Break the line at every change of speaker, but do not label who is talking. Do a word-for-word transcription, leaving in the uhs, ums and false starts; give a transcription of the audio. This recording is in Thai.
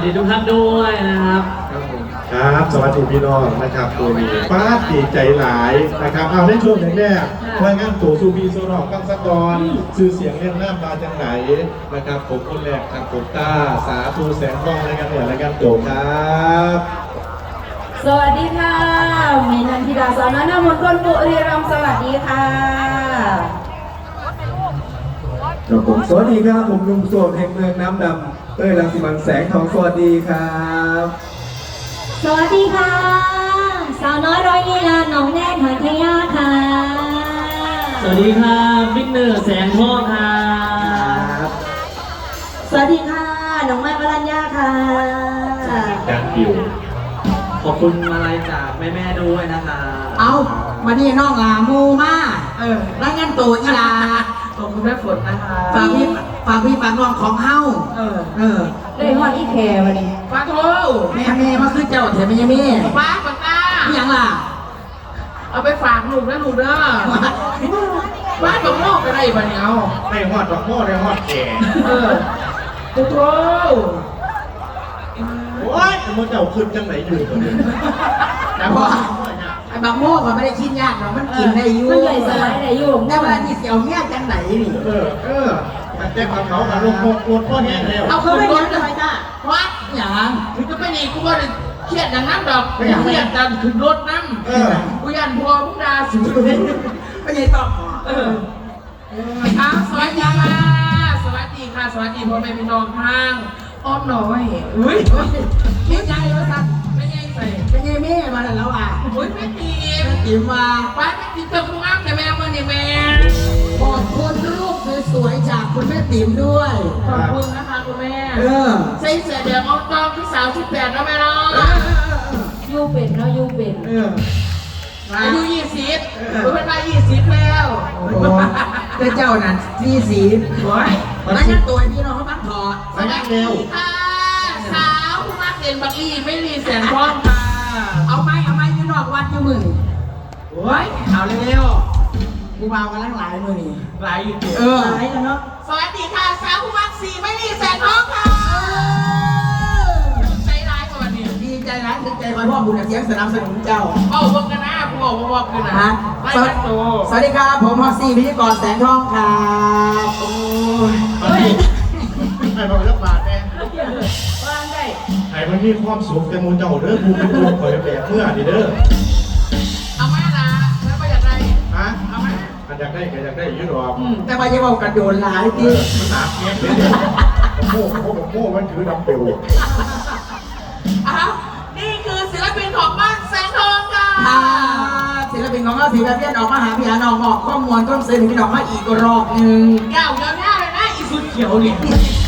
ดีทุกท่านด้วยนะครับ
ครับสวัสดีพี่น้องนะครับตัวนี้ป้าดีใจหลายนะครับเอาในช่วงแรกๆรายงานตัวซูบีโซนอกกังสกรชื่อเสียงเรียงหน้ามาจากไหนนะครับผมคนแรกครับผมต้าสาธุแสงทองรายงานเนี่ยรายงานตัวครับ
สวัสดีค่ะมีนันทิดาสาวน้อยหน้ามนต์คนบุรีรัมย์สวัสดีค่ะ
ครับผมสวัสดีครับผมลุงโสมแห่งเมืองน้ำดำเอ้ยรังสิมันแสงทองสวัสดีครับ
สวัสดีค่ะสาวน้อยร้อยลีลาหนองแนกหอยทยาค่ะ
สวัสดีครับวิกเนอร์แสงทองครับ
สวัสดีค่ะน้องไม้วรัญญาค่ะ
ดังอยู่
ขอบคุณมาลัยจากแม่ๆด้วยนะคะ
เอามานี่น้องลามูมาเออแล้วงั้นตัวอีลา
ขอบคุณแม่ฝนนะคะ
ฝากพี่ฝากพี่ฝากน้องของเฮาเออเออ
ได้ฮอดอีแคร์วันนี้
ฝากโทแม่แม่มาขึ้นเจ้าเถอะแม่ยังแม่ฝากฝากตาอย่างล่ะเอาไปฝากลูกนะลูกเด้อฝากกับโม่ก็ได้บ้านเนาะ
ได้ฮอดดอกโม่ได้ฮอดแก่
เออโอ้โห
โอ้ยมันจะเอาขึ้นจังไหนอยู่ตัวนี้
แต่ว่าไอ้บางโม่มันไม่ได้คิดยากหรอกมันกินได้อยู่
มันใหญ่สบายได้อยู่
แต่ว่าที่เสียวเงี้ยจังไหนนี่
เออเออมันแจ้งความเขามาลงโคตรโคตรพ่อแห้งแล้ว
เอาเขาไปยังทำไมจ้าวัดอย่างถึงจะไม่ดีกูว่าเครียดอย่างนั้นดอกไม่เครียดกันถึงรถน้ำเออกูยันพอมุกดาสุดไม่ใช่ต้องเออเอาสวัสดีค่ะสวัสดีค่ะสวัสดีพ่อแม่พี่น้องทางอ้อมน้อยอุ้ยคิดใจว่าสัตว์ไม่ใช่ใส่ไม่ใช่แม่มาแล้วอ่ะอุ้ยแม่ตีมตีมาป้าแม่ตีเติมกุ้งอ้ำแต่แม่มาเนี่ยแม่ขอบคุณลูกสวยๆจากคุณแม่ติ๋มด้วยขอบคุณนะคะคุณแม่เออใส่เสื้อแดงออกกองที่สาวสิบแปดแล้วแม่เนาะ
ยูเป็นเนาะยูเป็น
เอออายุยี่สิบคุณเป็นมายี่สิบแล้วแต่เจ้านั้นยี่สิบโอ้ยแล้วยังตัวพี่น้องเขาบ้างถอด
มานั่งเร็ว
ค่ะสาวผู้มาเรียนบักลี่ไม่รีแสนพร้อมค่ะเอาไหมเอาไหมพี่น้องวัดอยู่มือโอ้ยเอาเร็วๆกูเบากันลังหลายมือนี่หลายอยู่เออหลายแล้วเนาะสวัสดีค่ะสาวผู้มาสี่ไม่รีแสนพร้อมค่ะใจร้ายกว่าวันนี้ดีใจร้ายดีใจคอยพ่อบุญเสียงสนับสนุนเจ้าเอาพวกกันนะพวกพวกกันนะสวัสดีครับผมฮอสซี่พิธีกรแสงทองครับโอ้ย
ไอ้บอลเลือกบาทแน่
วางได้
ไอ้มันมีความสุขแต่มูเจ้าเด้อมูเป็นตัวคอยแบบเมื่อดีเด้อ
เอามาละแล้วไปอยากได้
ฮะเอามาอันอยากได้ก็อยากได้ยืดออก
แต่ว่าจะบอกกระโดดหลายที
มันหนาเงี้ยเลยโม่โม่โม่มันคือดับเบิล
อ้าวนี่คือศิลปินของบ้านแสงทองค่ะศิลปินของเราสีแบบนี้ออกมาหาพี่หาน้องออกข้อมูลก็เสนอพี่น้องมาอีกรอบหนึ่งเก่าเยอะแน่เลยนะอีสุดเขียวเนี่ย